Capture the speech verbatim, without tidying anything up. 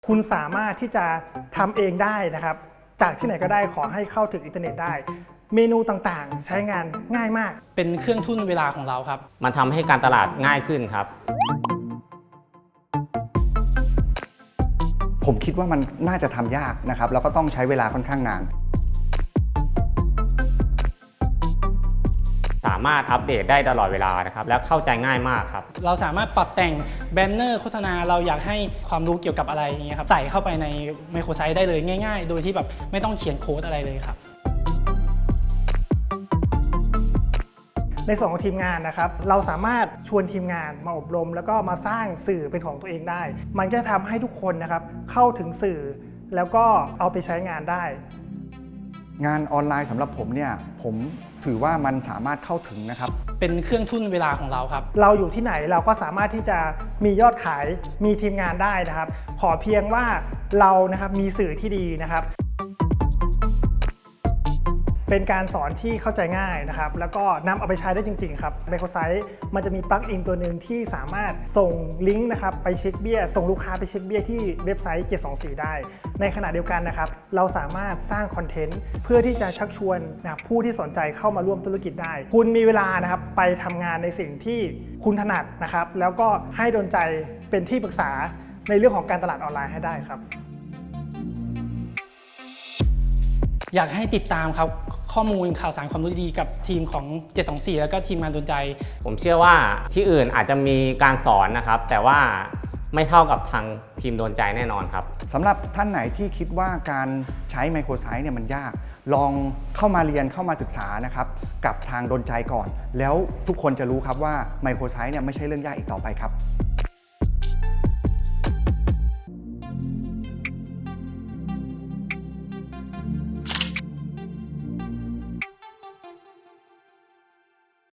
คุณสามารถที่จะทำเองได้นะครับจากที่ไหนก็ได้ขอให้เข้าถึงอินเทอร์เน็ตได้เมนูต่างๆใช้งานง่ายมากเป็นเครื่องทุ่นเวลาของเราครับมันทำให้การตลาดง่ายขึ้นครับผมคิดว่ามันน่าจะทำยากนะครับแล้วก็ต้องใช้เวลาค่อนข้างนานสามารถอัปเดตได้ตลอดเวลานะครับแล้วเข้าใจง่ายมากครับเราสามารถปรับแต่งแบนเนอร์โฆษณาเราอยากให้ความรู้เกี่ยวกับอะไรอย่างเงี้ยครับใส่เข้าไปในไมโครไซต์ได้เลยง่ายๆโดยที่แบบไม่ต้องเขียนโค้ดอะไรเลยครับในส่วนของทีมงานนะครับเราสามารถชวนทีมงานมาอบรมแล้วก็มาสร้างสื่อเป็นของตัวเองได้มันก็จะทำให้ทุกคนนะครับเข้าถึงสื่อแล้วก็เอาไปใช้งานได้งานออนไลน์สำหรับผมเนี่ยผมถือว่ามันสามารถเข้าถึงนะครับเป็นเครื่องทุ่นเวลาของเราครับเราอยู่ที่ไหนเราก็สามารถที่จะมียอดขายมีทีมงานได้นะครับขอเพียงว่าเรานะครับมีสื่อที่ดีนะครับเป็นการสอนที่เข้าใจง่ายนะครับแล้วก็นำเอาไปใช้ได้จริงๆครับไมโครไซต์มันจะมีปลั๊กอินตัวหนึ่งที่สามารถส่งลิงก์นะครับไปเช็คเบี้ยส่งลูกค้าไปเช็คเบี้ยที่เว็บไซต์เจ็ดสองสี่ได้ในขณะเดียวกันนะครับเราสามารถสร้างคอนเทนต์เพื่อที่จะชักชวนนะครับผู้ที่สนใจเข้ามาร่วมธุรกิจได้คุณมีเวลานะครับไปทำงานในสิ่งที่คุณถนัดนะครับแล้วก็ให้โดนใจเป็นที่ปรึกษาในเรื่องของการตลาดออนไลน์ให้ได้ครับอยากให้ติดตามครับข้อมูลข่าวสารความรู้ดีกับทีมของเจ็ดสองสี่แล้วก็ทีมงานโดนใจผมเชื่อว่าที่อื่นอาจจะมีการสอนนะครับแต่ว่าไม่เท่ากับทางทีมโดนใจแน่นอนครับสำหรับท่านไหนที่คิดว่าการใช้ไมโครไซต์เนี่ยมันยากลองเข้ามาเรียนเข้ามาศึกษานะครับกับทางโดนใจก่อนแล้วทุกคนจะรู้ครับว่าไมโครไซต์เนี่ยไม่ใช่เรื่องยากอีกต่อไปครับ